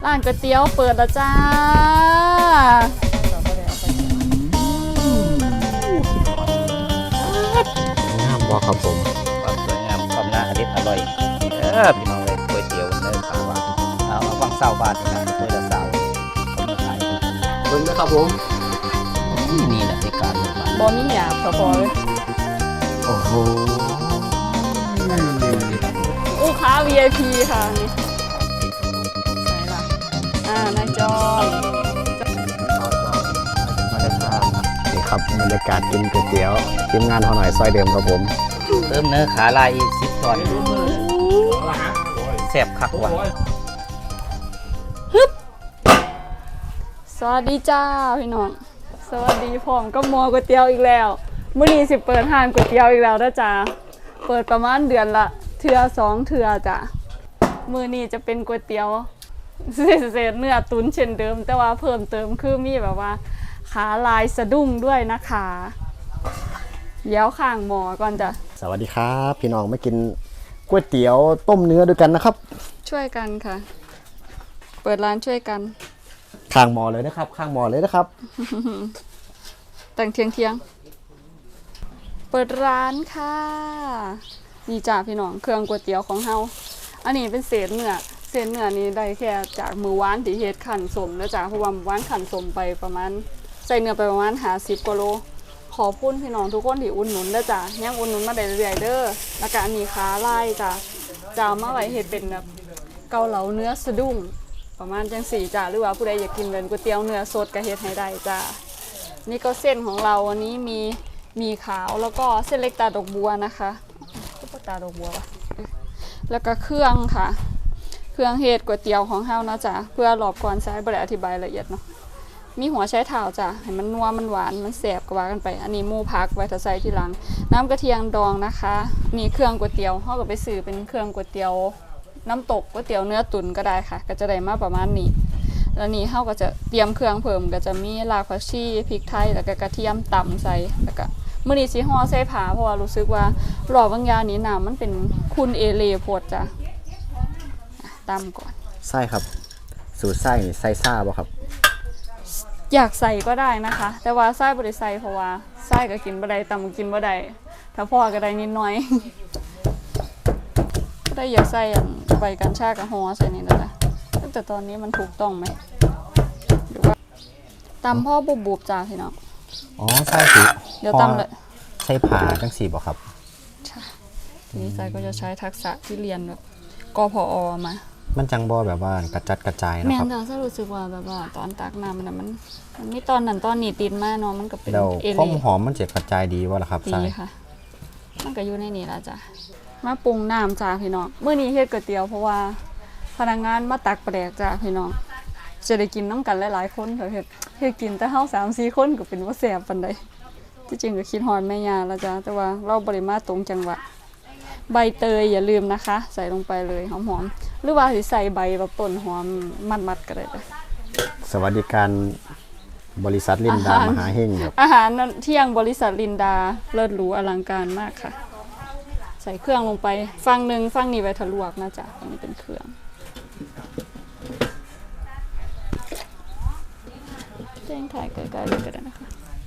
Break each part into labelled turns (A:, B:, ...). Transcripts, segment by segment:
A: ร้านก๋วยเตี๋ยวเปิดแล้วจ้า
B: น้ำว่าครับผม
C: ความสวยงามความน่าอร่อยพี่น้องเลยก๋วยเตี๋ยวเนื้อปลาหวานเอามาฟังเศร้าบาทนะก๋วยเตี๋ยวเศร้าคนมาขาย
B: เบิ่งนะครับผม
C: นี่แหละที่การมา
A: บอมีหยาบพอเลย
B: โอ้โห
A: ลูกค้า VIP ค่ะนี่ใส่ละนายจอน
B: มาได้ครับนี่ครับบรรยากาศกินก๋วยเตี๋ยวทีมงานเขาหน่อยซอยเดิมครับผม
C: เติมเนื้อขาลายอีก10 ตอนแซ่บคักว่ะ
A: สวัสดีจ้าพี่น้องสวัสดีพร้อมก็มอก๋วยเตี๋ยวอีกแล้วมื้อนี้สิเปิดร้านก๋วยเตี๋ยวอีกแล้วนะจ้าเปิดประมาณเดือนละเทื่อ2เทื่อจ้ะมื้อนี้จะเป็นก๋วยเตี๋ยวเศษเนื้อตุ๋นเช่นเดิมแต่ว่าเพิ่มเติมคือมีแบบว่าขาลายสะดุ้งด้วยนะคะเดี๋ยวข้างหมอก่อนจ้ะ
B: สวัสดีครับพี่น้องมากินก๋วยเตี๋ยวต้มเนื้อด้วยกันนะครับ
A: ช่วยกันค่ะเปิดร้านช่วยกัน
B: ข้างหมอเลยนะครับข้างหมอเลยนะครับ
A: แต่งเที่ยงเปิดร้านค่ะนี่จ้าพี่น้องเครื่องก๋วยเตี๋ยวของเฮาอันนี้เป็นเศษเนื้อนี้ได้แค่จากมือวานที่เฮ็ดขันสมนะจ้าเพราะว่ามือวานขันสมไปประมาณใส่เนื้อไปประมาณ50กว่าโลขอบคุณพี่น้องทุกคนที่อุดหนุนนะจ้ายังอุดหนุนมาได้เรื่อยๆเด้อแล้วก็อันนี้ขาลายจ้าจะเอามาไว้เฮ็ดเป็นแบบเกาเหลาเนื้อสะดุ้งประมาณจังสี่จ้าหรือว่าผู้ใดอยากกินเป็นก๋วยเตี๋ยวเนื้อสดก็เฮ็ดให้ได้จ้านี่ก็เส้นของเราวันนี้มีขาวแล้วก็เส้นเล็กตาดอกบัวนะคะตาดอกบัวปะแล้วก็เครื่องค่ะเครื่องเฮ็ดก๋วยเตี๋ยวของเฮานะจ๊ะเพื่อรอบก่อนใช้บ่ได้อธิบายละเอียดเนาะมีหัวไชเท้าจ้ะให้มันนัวมันหวานมันแซ่บก็ว่ากันไปอันนี้หมูพักไว้ถ้าใส่ทีหลังน้ำกระเทียมดองนะคะนี่เครื่องก๋วยเตี๋ยวเฮาก็ไปซื้อเป็นเครื่องก๋วยเตี๋ยวน้ำตกก๋วยเตี๋ยวเนื้อตุ๋นก็ได้ค่ะก็จะได้มาประมาณนี้แล้วนี่เฮาก็จะเตรียมเครื่องเพิ่มก็จะมีรากผักชีพริกไทยแล้วก็กระเทียมตำใส่แล้วก็มื้อนี้สิห่อใส่ผ้าเพราะว่ารู้สึกว่ารอบบางอย่างนี้น้ำมันเป็นคุณเอเลโพดจ้ะตำก่อน
B: ไส้ครับสูตรไส้นี่ไส้ซ่าบ่ครับ
A: อยากใส่ก็ได้นะคะ แต่ว่าไส้บ่ได้ใส่เพราะว่าไส้ก็กินบ่ได้ตำก็กินบ่ได้ถ้าพ่อก็ได้นิดหน่อย ก็ได้อยากใส่ใบกัญชากับห่อใส่นี่นะจ๊ะแต่ตอนนี้มันถูกต้องไหมหรือว่าตำพ่อบุบๆจ้าพี่น้อง
B: อ๋อไส้สี
A: เดี๋ยวตำเลย
B: ใส่ผ่าจังสีบ่ครับ
A: ใช่ทีนี้ไส้ก็จะใช้ทักษะที่เรียนแบบกพอมา
B: มันจังบ่แบบว่ากระจัดกระจาย
A: แม่
B: นะครับ
A: นจ้าถ้ารู้สึกว่าแบบว่าตอนตักน้ำมันมีตอนนั้นตอนนี้ติดมาเนาะมันก็เป็น
B: แล้ว
A: เอ
B: ความ
A: เล่
B: หอมมันจะกระจายดีวะล่ะครับ
A: ดี
B: ไส้
A: ค่ะ มันก็อยู่ในนี้ละจ้ะมาปรุงน้ำจ้าพี่น้องเมื่อนี้เฮ็ดก๋วยเตี๋ยวเพราะว่าพนักงานมาตักปลาแดกจ้าพี่น้องจะได้กินน้ำกันหลายๆคนเฮ็ดกินแต่เฮา3-4 คนก็เป็นว่าแซ่บปานใดที่จริงก็คิดฮอดแม่ย่าแล้วจ้าแต่ว่าเราบ่ได้มาตรงจังหวะใบเตยอย่าลืมนะคะ ใส่ลงไปเลยหอมๆหรือว่าสิใส่ใบแบบต้นหอมมัดๆก็ได้จ้ะ
B: สวัสดิการบริษัทลินดามหาเฮงครับ
A: อาหารเที่ยงบริษัทลินดาเลิศหรูอลังการมากค่ะ ใส่เครื่องลงไปฝั่งนี้ไว้ทะลวกนะจ๊ะอันนี้เป็นเครื่องแจ้งถ่ายใกล้ๆเลยก็ได้นะคะ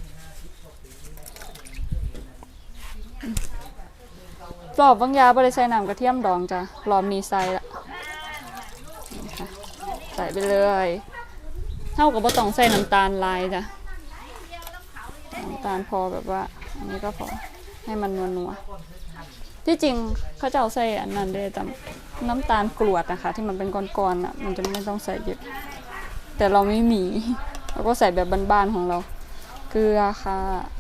A: รอบบางยาบริใส่น้ำกระเทียมดองจ้ะรอบนี้ใส่ละนี่ค่ะใส่ไปเลยเท่ากับว่าต้องใส่น้ำตาลลายจ้ะน้ำตาลพอแบบว่าอันนี้ก็พอให้มันนัวๆที่จริงเขาจะเอาใส่อันนั้นด้วยแต่น้ำตาลกรวดนะคะที่มันเป็นก้อนๆอ่ะมันจะไม่ต้องใส่เยอะแต่เราไม่มีเราก็ใส่แบบบ้านๆของเราเกลือค่ะ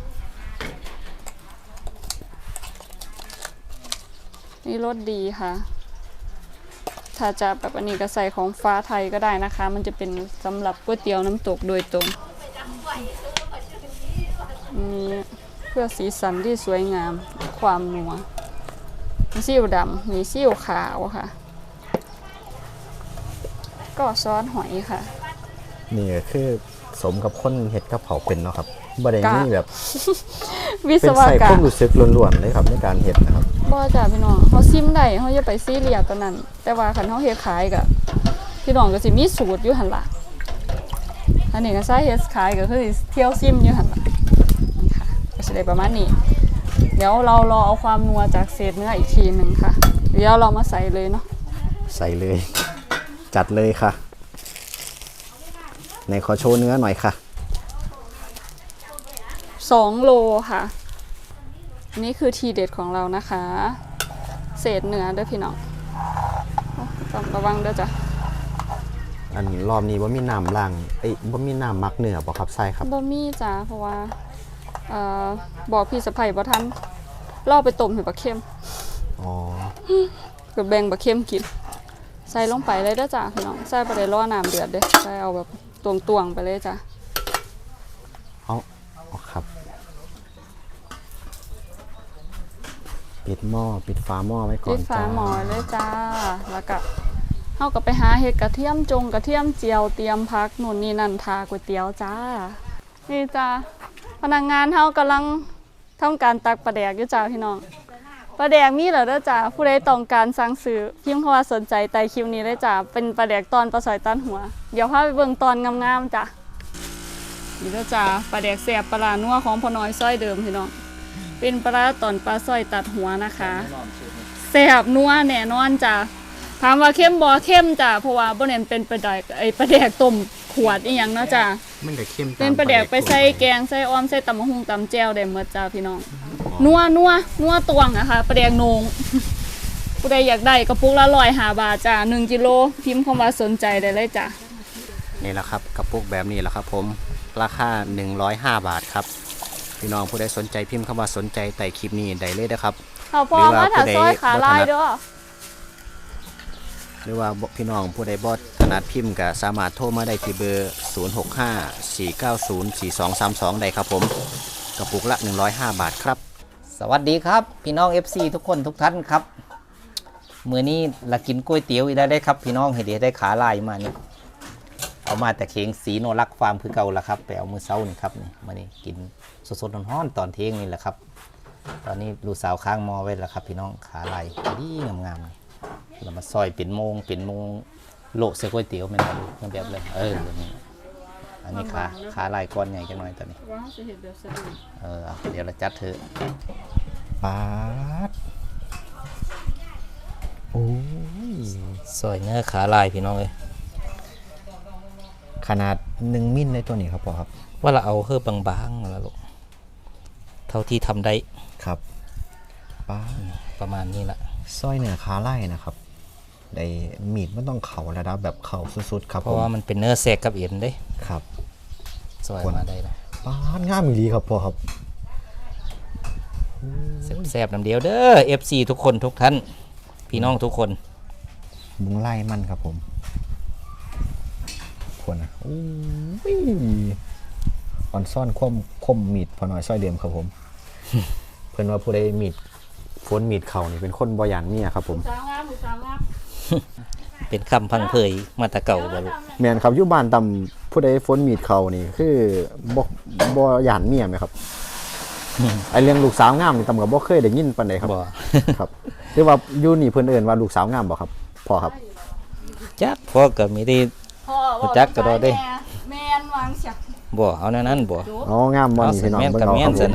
A: นี่รสดีค่ะถ้าจะแบบอันนี้ก็ใส่ของฟ้าไทยก็ได้นะคะมันจะเป็นสำหรับก๋วยเตี๋ยวน้ำตกโดยตรงนี่เพื่อสีสันที่สวยงามความนัวมีซีอิ๊วดำมีซีอิ๊วขาวค่ะก็ซอสหอยค่ะ
B: นี่ก็คือสมกับคนเฮ็ดกับเขาวเป็นเนาะครับบ่ได้มีแบบ
A: วิศ
B: เป็น
A: ว
B: ใส่
A: กร
B: ค
A: ร
B: วาม
A: ม
B: รู้สึกล้วนๆเลยครับในการเฮ็ดนะครับ
A: บ่จ้ะพี่น้องเขาซิมได้เขาจะไปซีเรียสตอนนั้นแต่ว่าคันเขาเฮ็ดขายก็พี่น้องก็สิมีสูตรอยู่หั่นล่ะอันนี้ก็ใช้เฮ็ดขายก็คือเที่ยวซิมอยู่หั่นล่ะนี่ค่ะก็สิได้ประมาณนี้เดี๋ยวเรารอเอาความนัวจากเศษเนื้ออีกทีหนึ่งค่ะเดี๋ยวเรามาใส่เลยเนาะ
B: ใส่เลย จัดเลยค่ะในขอโชว์เนื้อหน่อยค่ะ
A: 2 โลค่ะนี่คือทีเด็ดของเรานะคะเศษเนื้อเด้อพี่น้องต้องระวังเด้อจ้ะ
B: อันรอบนี้ว่ามีน้ำล้างว่ามีน้ำมักเนื้อบ่ครับใส่ครับ
A: บ่มีจ้ะเพราะว่าบอกพี่สะใภ้บ่ทันล่อไปต้มให้บักเค็ม
B: อ๋อ
A: ก็แบ่งบักเค็มกินใส่ลงไปเลยเด้อจ้ะพี่น้องใส่ไปได้รอน้ำเดือดเด้อใส่เอาแบบตวงๆไปเลยจ้ะ
B: เอาครับ ปิดหม้อปิดฝาหม้อไว้ก่อน
A: ปิดฝา
B: จ้า
A: หม้อเลยจ้าแล้วก็เฮาก็ไปหาเห็ดกระเทียมกระเทียมเจียวเตรียมพักนู่นนี่นั่นทาก๋วยเตี๋ยวจ้านี่จ้าพนักงานเฮากำลังทำการตักปลาแดกอยู่จ้าพี่น้องปลาแดกมีเหรอเด้อจ้าผู้ใดต้องการสั่งซื้อพิมพ์คำว่าสนใจใต้คลิปนี้เลยจ้าเป็นปลาแดกตอนปลาสอยตันหัวเดี๋ยวพาไปเบิ่งตอนงามๆจ้านี่เด้อจ้าปลาแดกแซ่บปลาร้านัวของพ่อน้อยซอยเดิมพี่น้องเป็นปลาร้าตอนปลาสร้อยตัดหัวนะคะแซ่บนัวแน่นอนจ้าถามว่าเข้มบ่เข้มจ้าเพราะว่าบ่เน้นเป็นปลาแดกปลาแดกต้มขวดอีหยังเนาะจ้า
B: มันจะเข้ม
A: เป็นปลาแดกไปใส่แกงใส่อ้อมใส่ตำมะฮุ่งตำแจ่วได้หมดจ้าพี่น้องนัวตวงนะคะปลาแดกโหนงผู้ใดอยากได้กระปุกละ105 บาทจ้า1 กิโลพิมพ์คำว่าสนใจได้เลยจ้า
B: นี่แหละครับกระปุกแบบนี้แหละครับผมราคา105 บาทครับพี่น้องผู้ใดสนใจพิมพ์คำว่าสนใจใต้คลิปนี้ได้เลยนะครับ
A: เอาพอมาถ้าซอยขาลายเด้อ
B: หรือว่าพี่น้องผู้ใดบ่ถนัดพิมพ์ก็สามารถโทรมาได้ที่เบอร์ 0654904232 ได้ครับผมกระปุกละ105 บาทครับ
C: สวัสดีครับพี่น้อง FC ทุกคนทุกท่านครับมื้อนี้ละกินก๋วยเตี๋ยวอีกได้ครับพี่น้องเห็นได้ขาลายมานี่เอามาแต่เคียงสีโนรักฟาร์มคือเก่าละครับไปเอามื้อเช้านี่ครับนี่มานี่กินสดๆร้อนๆตอนเที่ยงนี่แหละครับตอนนี้ลูกสาวค้างมอไว้แล้วครับพี่น้องขาลายดีงามๆนี่เรามาซอยเป็นโมงโลเสก๋วยเตี๋ยวแม่นบ่ลูกแบบเลยนี่อันนี้ขาลายก้อนใหญ่จังหน่อยตอนนี้
A: ว่าสิเฮ็ดแบบสะดวก
C: เดี๋ยวเราจัดเถอะ
B: ปาดโอ้ย
C: ซอยเนื้อขาลายพี่น้องเลย
B: ขนาด1 มิลเลยตัวนี้ครับพ่อครับ
C: ว่าเราเอาเฮือบางๆแล้วลูกเท่าที่ทำได้
B: ครับปาด
C: ประมาณนี้ละ
B: สร้อยเนื้อขาไล่นะครับได้มีดมันต้องเข่าระดับแบบเข่าสุดๆครับ
C: เพราะว่ามันเป็นเนื้อแทรกกับเอ็นเด้
B: ครับ
C: ซอยมาได้ละ
B: ปาดงามอีหลีครับพ่อครับ
C: แซ่บๆน้ำเดียวเด้อ FC ทุกคนทุกท่านพี่น้องทุกคน
B: มุงไล่มันครับผมคนนะโอ้ยอ่อนซ่อนคมมีดพอน้อยสร้อยเดิมครับผม เพิ่นว่าผู้ใดมีดฝนมีดเข่านี่เป็นคนบ่หยานเมียครับผม
A: สาวงามผู้สาวงาม
C: เป็นคำพังเพยมาแตะเก่าบ่ลูก
B: แม่นครับอยู่บ้านตำผู้ใดฝนมีดเข่านี่คือบ่หยานเมียไหมครับ ไอเรื่องลูกสาวงามนี่ตำกับบ่เคยได้ยินปานใดครับ
C: บ่
B: ครับหรือว่าอยู่นี่เพิ่นเอิ้นว่าลูกสาวงามบ่ครับพ่อครับ
C: จักพ่อก็มีได้
A: พ่อ
C: รู้จักก็ได้เด้
A: แม่นวางเสีย
C: บ่เอาแนวนั้นบ่
B: อ๋องามบ่นี่พี่น้อง
C: แม่น
B: เบิ่ง
C: กับ
B: เอา
C: แม่
B: ครั
C: น
B: บผ
C: ซะ
B: ม
C: นะ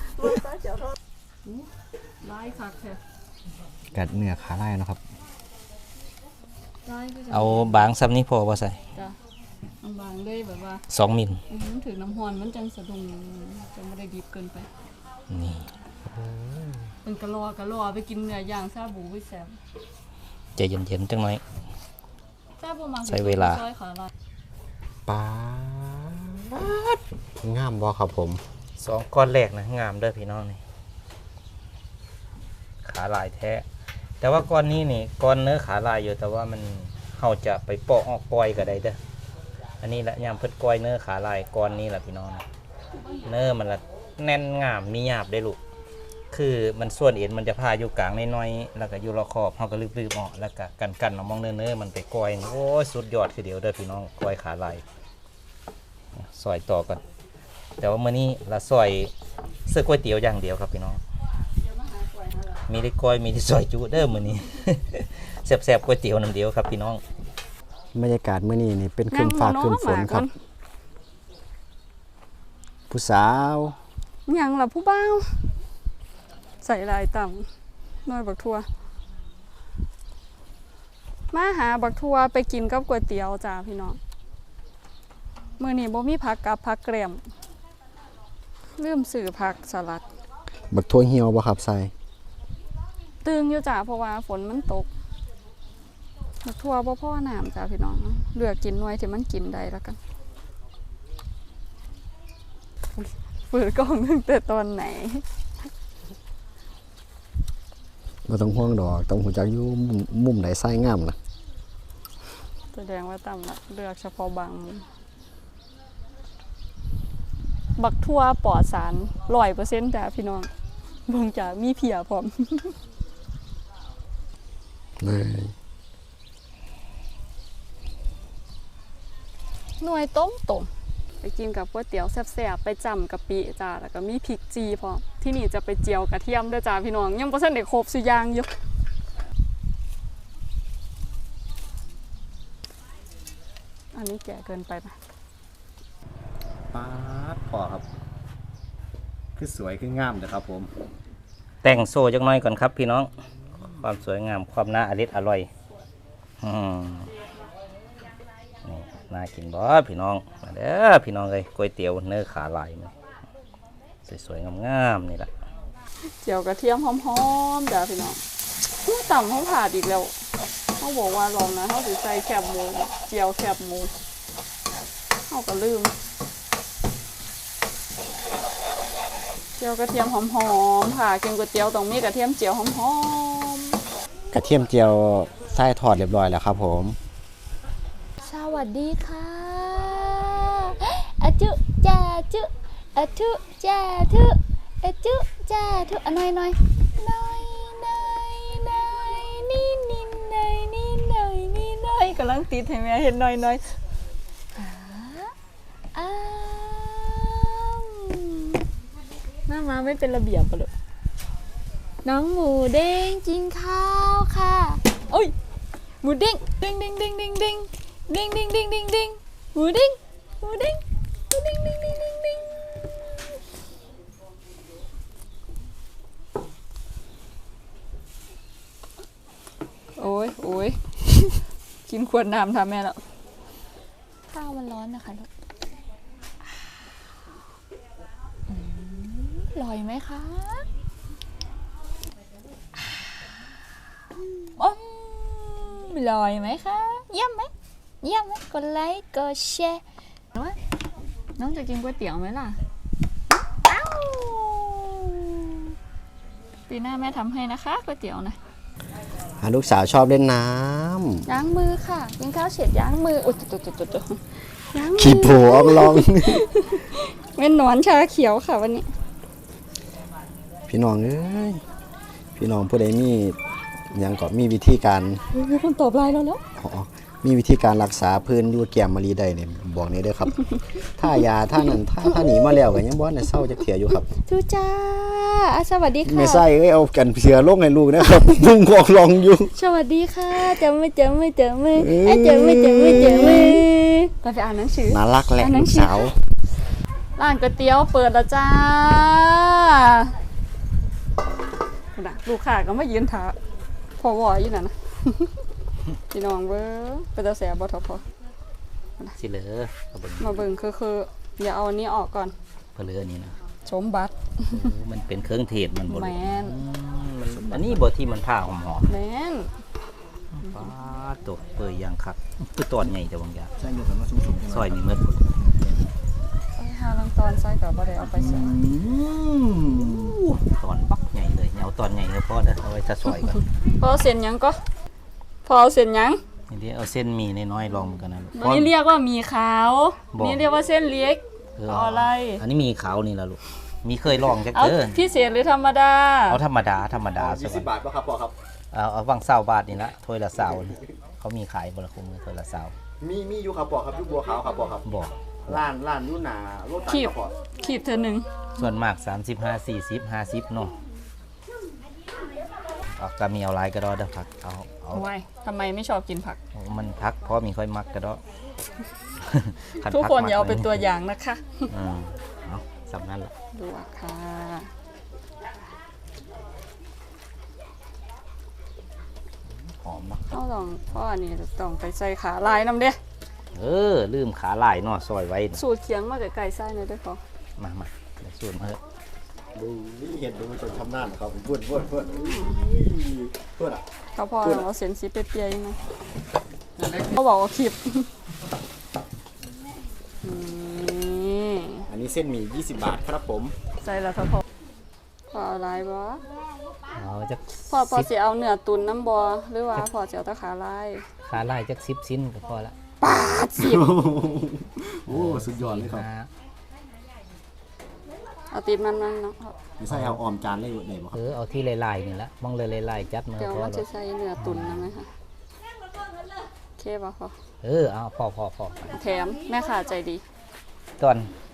A: ลายคักแท้
B: กัดเนื้อขาไล่นะครับ
A: ลายคือ
C: เอาบางซ้ำนี้พอบ่ใส่
A: จ้ะบางๆเลยแบบว่า
C: 2 มิล
A: ถือน้ำฮ้อนมันจังสะดุ้งจะไม่ได้ดิบเกินไป
C: นี่
A: เป็นกะลอไปกินเนื้อย่างซาบูไปแซ่บ
C: ใจเย็นๆจังหน่อย
A: ซาบูมา
C: ใช้เวลา
A: ซอยขาลาย
B: ปาดงามบ่ครับผม
C: 2ก้อนแรกนะงามเด้อพี่น้องนี่ขาลายแท้ แต่ว่าก้อนนี้นี่ก้อนเนื้อขาลายอยู่แต่ว่ามันเฮาจะไปปอกออกปล่อยก็ได้เด้ออันนี้ละยามเพิ่นก้อยเนื้อขาลายก้อนนี้ล่ะพี่น้องเนื้อมันละแน่นงามมีหยาบได้ลูกคือมันส่วนเอ็นมันจะพาอยู่กลางน้อยๆแล้วก็อยู่รอบขอบเฮาก็ลืบๆออกแล้วก็กันๆเอามองเนื้อมันไปก้อยนี่โอ้ยสุดยอดคือเดียวเด้อพี่น้องก้อยขาลายซอยต่อกันแต่ว่ามื้อนี้ละซอยเสื้อก๋วยเตี๋ยวอย่างเดียวครับพี่น้องมีได้ก้อยมีได้ซอยจุเด้อมื้อนี้ แซ่บๆก๋วยเตี๋ยวน้ำเดียวครับพี่น้อง
B: บรรยากาศมื้อนี้นี่เป็นครึ้มฟ้าครึ้มฝนครับ ผู้สาว
A: หยังล่ะผู้บ่าวใส่ลายต่ำน้อยบักทั่วมาหาบักทั่วไปกินกับก๋วยเตี๋ยวจ้าพี่น้องมื้อนี้บ่มีผักกับผักแกล้มลืมซื้อผักสลัด
B: บักทั่วเหี่ยวบ่ครับใส่
A: ตึงอยู่จ้าเพราะว่าฝนมันตกบักทั่วบ่พอน้ำจ้าพี่น้องเลือกกินหน่วยที่มันกินได้แล้วกันเปิดกล้องตั้งแต่ตอนไหน
B: บ่ต้องห่วงดอกต้องหูจักอยู่มุมไหนใส่งามล่ะ
A: แสดงว่าต่ำละเลือกเฉพาะบางมุมบักทั่วปลอดสาร100%จ้าพี่น้องเบิ่งจ้ามีเพียพร้อม
B: เลย
A: หน่วยต้มไปกินกับก๋วยเตี๋ยวแซ่บๆไปจำกะปิจ้าแล้วก็มีพริกจีพร้อมที่นี่จะไปเจียวกระเทียมด้วยจ้าพี่น้องยังบ่ทันได้ครบสุอย่างอยู่อันนี้แก่เกินไปปะ
B: ป๊าดพอครับคือสวยคืองามเด้อครับผม
C: แต่งโซ่จักหน่อยก่อนครับพี่น้องความสวยงามความน่าอร่อยนี่น่ากินบ่พี่น้องมาเด้อพี่น้องเลยก๋วยเตี๋ยวเนื้อขาลายมันสวยๆงามๆนี่แหละ
A: เจียวกระเทียมหอมๆจ้าพี่น้องต่ำเขาผ่าดอีกแล้วเขาบอกว่าลองนะเขาสิใส่แคบหมูเจียวแคบหมูเขาก็ลืมเจียวกระเทียมหอมๆค่ะกินก๋วยเตี๋ยวต้องมีกระเทียมเจียวหอม
B: กระเทียมเจียวใส่ทอดเรียบร้อยแล้วครับผม
A: ๆสวัสดีค่ะอะจุจ้าจุอะทุจ้าทุอะจุจ้าทุอะน้อยน้อยน้อยน้อยน้อยนี่นี่น้อยนี่น้อยนี่น้อยกำลังติดให้แม่เห็นน้อยน้อยหน้ามาไม่เป็นระเบียบปะเลยน้องหมูเด้งกินข้าวค่ะโอ้ยหมูเด้งเด้งเด้งเด้งเด้งเด้งเด้งเด้งเด้งเด้งเด้งหมูเด้งหมูเด้งหมูเด้งเด้งเด้งเด้งเด้งโอ้ยโอ้ยกินขวดน้ำทำแม่แล้วข้าวมันร้อนนะคะลูกอร่อยไหมคะอร่อยไหมคะเยี่ยมไหมเยี่ยมไหมกดไลค์กดแชร์น้องจะกินก๋วยเตี๋ยวไหมล่ะอ้าวปีหน้าแม่ทำให้นะคะก๋วยเตี๋ยวนะ
B: ลูกสาวชอบเล่นน้
A: ล้างมือค่ะกินข้าวเสร็จล้างมืออุดจุดล้างมื
B: ำขี้โผอองลอง
A: เป็นหนอนชาเขียวค่ะวันนี้
B: พี่น้องเอ้ยพี่น้องผู้ใดมีหยังก็มีวิธีการ
A: มีคนตอบไลน์เราแล้ว
B: อ๋อมีวิธีการรักษาพื้นอยู่แก้มมะลีได้เนี่ยบอกนี้เด้อครับ ถ้ายาถ้านั้นถ้าหนีมาแล้วก็ยังบ่ได้เศร้าจักเที่ยอยู่ครับ
A: ทูจ้าสวัสดีค่ะ
B: ไม่ใส่เอ้ยเอากันเสือลงให้ลูกนะครับ นุ่งกอกลองอยู่
A: สวัสดีค่ะเจอมือเจอมือ
B: เอ้ย
A: เจอมือเราไปอ่านหนังสือ
B: น่ารักแหละลูกสาว
A: ร้านก๋วยเตี๋ยวเปิดแล้วจ้าลูกค้าก็มายืนถาพอวออยู่นั่นนะ พี่น้องเบ้อเป็นตาแสบบ่ทอพอ
C: สิเหลือเอาเบิ่ง
A: มาเบิ่งคืออย่าเอาอันนี้ออกก่อน
C: เพลือนี่นะ
A: สมบัติ
C: มันเป็นเครื่องเทศมันบ่
A: แม
C: รู้
A: น
C: อันนี้บ่ที่มันผ้าหอม
A: แมน
C: ๆป้าตัวเปื่อยอย่างคักคือตอนใหญ่แต่บางอย่าง
B: ใช่อยู่กันว่าชุ่มๆ
C: ซอยนี่เมื่อ
A: ไอ้หาลังตอนใส่กับบ่ได้เอาไปใส่
C: ตอนบักใหญ่เลยเอาตอนใหญ่ก็พอเด้อเอาไว้ถ้าซอยก่อน
A: พอเอาเส้นหยังก็พอเอาเส้นหยัง
C: นี่เดี๋ยวเอาเส้นหมี่น้อยๆลองกันนะ
A: อันนี้เรียกว่าหมีขาว
C: บอก
A: นี่เรียกว่าเส้นเล็ก เอาอะไร
C: อันนี้มีขาวนี่ล่ะลูกมีเคยลองจัก
A: เอา
C: เด้อ
A: พิเศษหรือธรรมดา
C: เอาธรรมดาซะ
B: 20
C: ก่อน
B: บาทป่ะครับพ่อครับ
C: เอาวัง20 บาทนี่ละถ้วยละ20นี่เขามีขายบ่ละคุมถ้วยละ20
B: มีอยู่ครับพ่อครับอยู่บัวขาวครับพ่อครับ
C: บอก
B: ร้านอยู่หน้ารถตัด
A: ขีบ
B: ครับพ่อ
A: ขีบเธอหนึ่ง
C: ส่วนมาก35 40 50เนาะเอาก็มีเอาหลายก็ได้เด้อผักเอา
A: เอาไว้ทำไมไม่ชอบกินผัก
C: โอ้มันพักเพราะมีค่อยมักกระเดาะ
A: ทุกคนอย่าเอาเป็นตัวอย่างนะคะ
C: เอาสำนั้นแหละ
A: ลวกค่ะ
C: หอมเนาะ
A: เอาลองพ่ออันนี้ต้องไปใส่ขาลายน้ำเด้
C: ลืมขาลายเนาะซอยไว้น่ะ
A: สูตรเคียงมากับไก่ไส้เลยด้วยพอ
C: มาเดี๋ยวสูตรมาเถอะ
B: ดูนี่เห็นดูจนทำหน้าครับเพื่อนอ่ะ
A: เขาพอเอาเส้นสีเปียๆยังไงเขาบอกว่าคลิปนี่
B: อันนี้เส้นหมี่20 บาทครับผม
A: ใส่แล้วพอพอเอาลายบ่
C: เอาจัก
A: พอสิเอาเนื้อตุนน้ำบ่หรือว่าพอสิเอาแตะขาลาย
C: ขาลายจัก10ชิ้นก็พอละ
B: โอ้สุดยอดเลยครับ
A: เอาตีนมันเนาะ
B: นี่ใส่เอาออมจานเลยไหนบ่ครับ
C: เอาที่ลายๆนี่ละมองเลยลายๆจัดมา
A: เดี๋ยว
C: พอ
A: มัน
C: แล้
A: จะ
C: ว
A: ใส่เนื้อตุนนะไหมคะโอเคป่ะพอ
C: เอาพอ
A: แถมแม่ค้าใจดี
C: ก่อน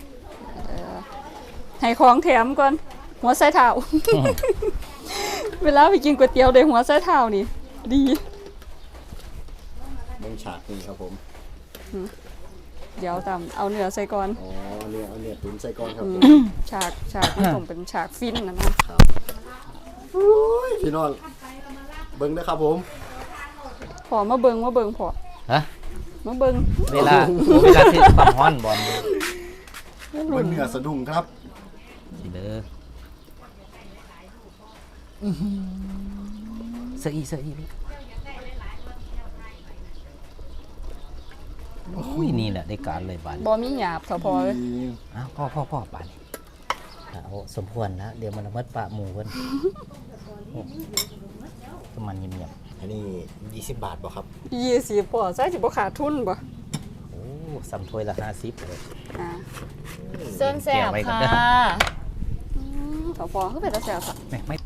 A: ให้ของแถมก่อนหัวไส้เท้า เวลาไปกินก๋วยเตี๋ยวได้หัวไส้เท้านี่ดี
B: เบิ่งฉากนี่ครับผม
A: เดี๋ยวตามเอาเนื้อใส่ก่อน
B: อ๋อเอาเนื้อตุ๋นใส่ก้อนครับผม
A: ฉากนี่ผมเป็นฉากฟินนะ
B: อุ้ยพี่น้องเบิ่งนะครับผม
A: พอมาเบิงพอ
C: ฮะ
A: มาเบิง
C: เวลาที่ความร้อนบอล
B: เบิ่งเนื้อสะดุ้งครับ
C: สิเด้อเสื้ออีโอ้ยนี่แหละได้การเลยบาน
A: บ่มีหยาบเท่าพอเลย
C: พ่อบานโอ้สมควรนะเดี๋ยวมันมัดปะหมูเพิ่นก็มันเงียบ
B: อันนี้20 บาทบ่ครับ
A: 20พอใส่สิบ่ขาดทุนบ่
C: ๆโอ้ซ้ำถ้วยละ50เลย
A: อ่าเส้นแซ่บ
C: เกี่ยวไว้ก่อน
A: ค่ะ
C: เด้อ
A: เท่าพอคือเป็นตาแซ่บค่ะ
C: ไม่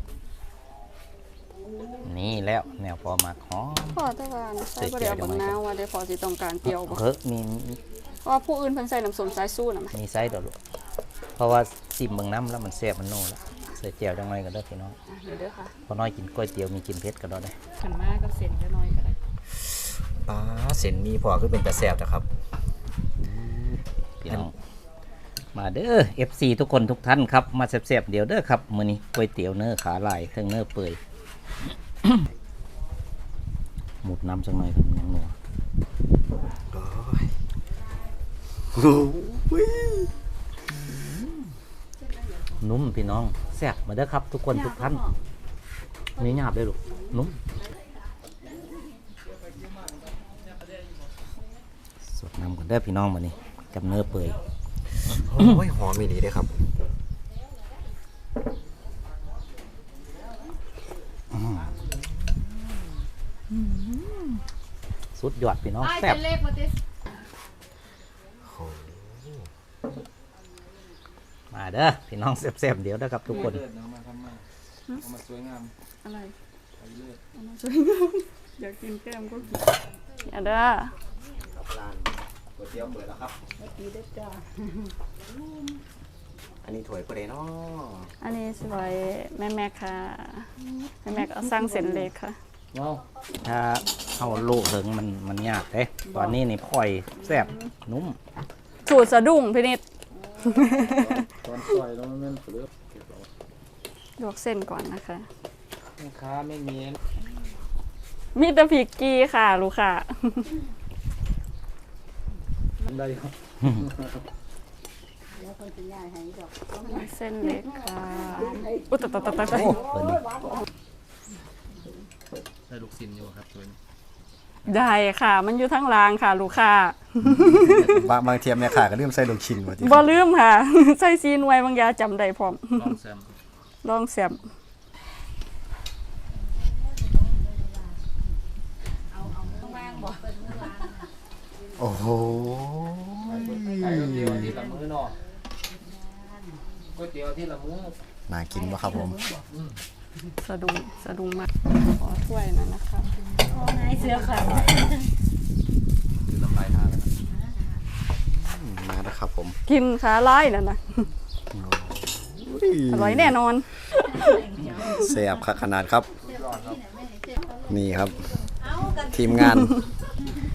C: นี่แล้วแนวพอมาหอม
A: พอแต่ว่าใส่บ่ได้เอาบักนาวว่าได้พอสิต้องการเปรี้ยวบ่
C: มี
A: เพราะว่าผู้อื่นเพิ่นใส่น้ำส้มสายสู้น่ะแม่
C: มีไซส์ดอกลูกเพราะว่าซิมเบิ่งน้ำแล้วมันแซ่บมันโน่แล้วใส่แจ่วจังหน่อยก็ได้พี่น้อง
A: นี่เด้อค่ะ
C: พอน้อยกินก๋วยเตี๋ยวมีกินเผ็ดก็ได้
A: ขันมากับเส้นจะน้อยก็ได้
B: ป้าเส้นมีพอคือเป็นตะแซ่บนะครับ
C: พี่น้องมาเด้อ FC ทุกคนทุกท่านครับมาแซ่บๆเดี๋ยวเด้อครับมื้อนี้ก๋วยเตี๋ยวเนื้อขาลายเครื่องเนื้อเปื่อย หมุดน้ำจังหน่อยครับยังหนัวนุ่มพี่น้องแซ่บมาเด้อครับทุกคนทุกท่านนี่หยาบเลยลูกนุ่มสดน้ำก่อนเด้อพี่น้องมานี่กับเนื้อเปื่อย
B: โอ้ยหอมมีดีเลยครับ
C: สุดยอดพี่น้องแซ่บมาเด้อพี่น้องแซ่บๆเดี๋ยวเด้อครับทุกคน
A: อะไรเอามาสวยงามอยากกินแก้มก็กินอย่าเด้อ
B: ร้านก๋วยเตี๋ยวเปิดแล้วครับอันนี้ถ้วยประเดเนาะ
A: อันนี้สวยแม่ค่ะแม่เอาสร้างเส้นเล็กค่ะ
C: ถ้าเอาลูกถึงมันยากเด้ตอนนี้นี่พ่อยแซ่บนุ่ม
A: สูตรสะดุ้งพี่นิด
B: ตอนซอยแล้วมันเปลือก
A: ลวกเส้นก่อนนะคะ
C: ลูกค้าไม่มี
A: มีแต่พริกกี้ค่ะลูกค่ะ
B: ได้ครับ
A: เส้นเล็กค่ะอุ๊ยตาย
C: เปิดนี่
D: ได้ลูกซินอยู่ครับตัวนี้
A: ได้ค่ะ มันอยู่ทั้งรางค่ะลูกค่ะ
B: บางเทียมเนี่ยค่ะก็เริ่มใส่ลูกชิ้นมาที
A: บ่ลืมค่ะ ใส่ซีนไว้บางยาจำได้พร้อม
D: ลองแซม
A: ลองแซม
B: โอ้โห
D: ก๋วยเตี๋ยวที่ละมื้อเนาะก๋วยเตี๋ยวที่ละมื้อ
B: น่ากินปะครับผม
A: สะดุ้งมากขอถ้วยหน่อยนะคะ
D: คือน้ำลายทานแล้วนะ
B: มาแล้วครับผม
A: กินขาลายนั่นนะอร่อยแน่นอน
B: แซ่บขนาดครับ นี่ครับ ทีมงาน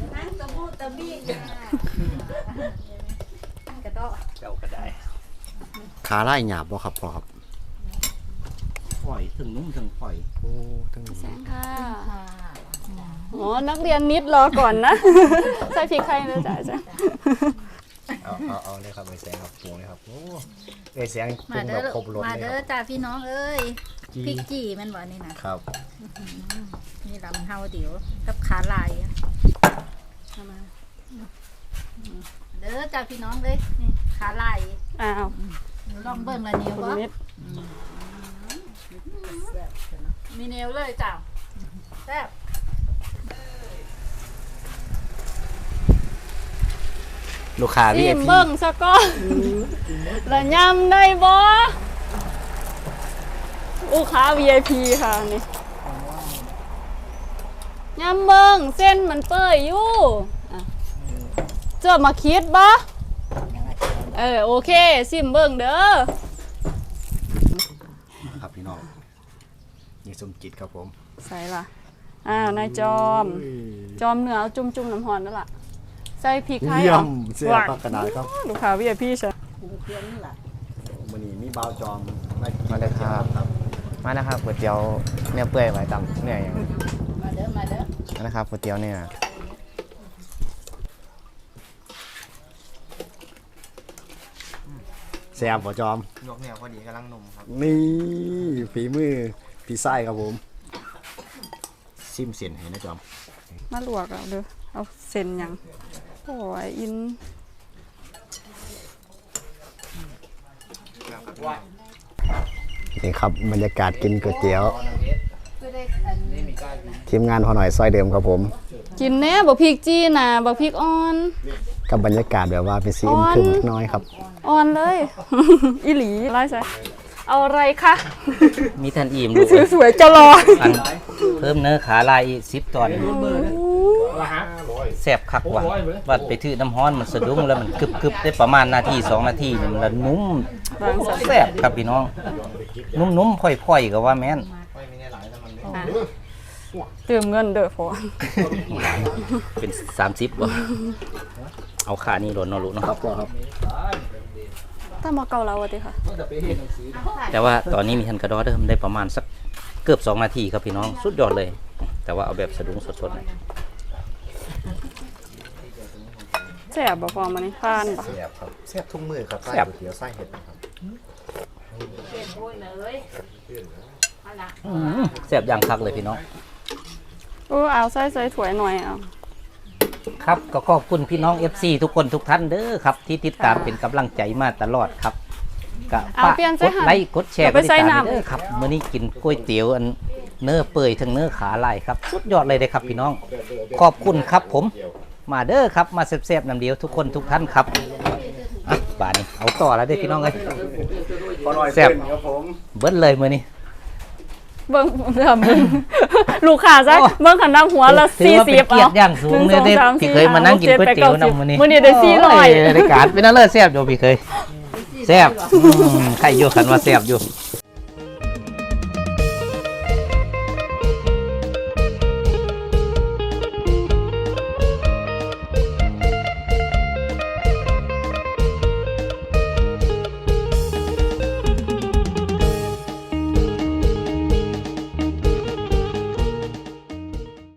E: กระโดด
C: เจ้าก็ได้
B: ขาไล่หยาบบ่ครับพ่อครับ
C: ปล่อยถึงนุ่มถึงปล่อย
B: โอ้ทั้ง
A: แสงค่ะอ๋อนักเรียนนิดรอก่อนนะ ใส่พริกไทยนะจ๊ะจ้ะ
B: เอาเลยครับไอ้แสงครับปรุงเลยครับโอ้ไอ้แสงปรุ
E: มาง เด้
B: แบ
E: อบ
B: ครบรส
E: มา
B: เลย
E: เด้
B: ค
E: อ
B: รับ
E: จ้าพี่น้องเอ้ย
B: จี
E: พริกจี่แมันบ่นี่นะครับ นี่ลำเฮาเดี๋ยวกับขาลายอะเอามาเด้อจ้าพี่น้องเลยนี่ขาลาย
A: อ้าว
E: ลองเบิ่งละเนียว
A: คุณ
E: บ่
A: นิด
E: มีเนียวเลยจ้าแซ่บ
C: ลูกค้า
A: ซิม
C: VIP
A: เบิ่งซะก่อนแล้วยำได้บ่ลูกค้า VIP ค่ะนี่ยำเบิ่งเส้นมันเปื่อยอยู่อ่ะเจอมาคิดบ่โอเคซิมเบิ่งเด้อ
B: ครับพี่น้องนี่สมจิตครับผม
A: ใส่ล่ะนายจอม จอมเนื้อเอาจุ่มๆน้ำหอนนั่นล่ะใส่พริกไทย
B: เยี่ย
A: เอา
B: มเสียปากกระดาษครับ
A: ลูกค้า VIP ใช่
B: มื้อนี้มีบ่าวจอม
F: มาเลยครับ มานะครับก๋วยเตี๋ยวเนื้อเปื่อยไว้ตำเนื้ออย่าง
E: มาเด้อมาเด้อ
F: นะครับก๋วยเตี๋ยวเนื้อ
B: แซ่บบ่จอม
F: ยกเนื้อพอดีกำลังนุ่มครับ
B: นี่ฝีมือพี่ไส้ครับผมซิมเสียนให้นะจอม
A: มาลวกเอาเด้อเอาเส้นหยังโอ้ยอิน
B: นี่ครับบรรยากาศกินก๋วยเตี๋ยว
E: ก็ได้อัน
B: ทีมงานพอหน่อยซอยเดิมครับผม
A: กินแน่บักพริกจี้น่ะบักพริกอ่อน
B: กับบรรยากาศแบบว่าเป็นซีอิ๊มขึ้นน้อยครับ
A: อ่อนเลย อีหลีไล่ใส่เอาอะไรคะ
C: มีท่านอิ่มลูก
A: สวยๆจะรอ
C: อันเพิ่มเนื้อขาลายอีก10 ตอนแซ่บคักว่ะวัดไปถือน้ำฮ้อนมันสะดุ้งแล้วมันกึบๆได้ประมาณนาที2 นาทีนี่มันละนุ่ม
A: บางสัน
C: แซ่บครับพี่น้อง นุ่มๆค่อยๆก็ว่าแม่น
A: เติมเงินเด้อพอ
C: เป็น30บ่เอาขานี่โดนเนาะลูกเนาะ
B: ครับพ่อครับ
A: ถ้ามาเกาเราอะติค่ะ
C: แต่ว่าตอนนี้มีทันกระดอเดิมได้ประมาณสักเกือบ2 นาทีครับพี่น้องสุดยอดเลย แต่ว่าเอาแบบสะดุ้งสดๆหน่อย
A: แซ่บบ่พอมานี่ผ่านบ่
B: แซ่บครับแซ่บทุกมือครับไส้ก๋วยเตี๋ยวไส้เห็ดนะครับ
C: แซ่บอย่างคักเลยพี่น้อง
A: เอาใส่ถ้วยหน่อยเอา
C: ครับก็ขอบคุณพี่น้อง FC ทุกคนทุกท่านเด้อครับที่ติดตามเป็นกำลังใจมาตลอดครับก็ฝากกดไลค์กดแชร์กดติดตามเด้อครับมื้อนี้กินก๋วยเตี๋ยวอันเนื้อเปื่อยทั้งเนื้อขาลายครับสุดยอดเลยเด้อครับพี่น้อง ขอบคุณครับผมมาเด้อครับมาแซ่บๆน้ำเดียวทุกคนทุกท่านครับอ่ะบาดนี้เอาต่อแล้วเด้อพี่น้องเอ้ย
B: พอหน่อย
C: แซ่บ
B: ครับผม
C: เบิดเลยมื้อนี้
A: เบิ่งเริ่มเบิ่งลูกค้าซะเบิ่งขันน้ำหัวละ
C: ถือว่าเป็น
A: 40
C: เกียรติอย่างสูงเลยเด้อพี่เคยมานั่งกินก๋วยเตี๋ยวนำมื้อนี้
A: มื้อนี้ได้
C: โอ้ยรายการเป็นอะไรแซ่บอยู่พี่เคยแซ่บใครอยู่คันว่าแซ่บอยู่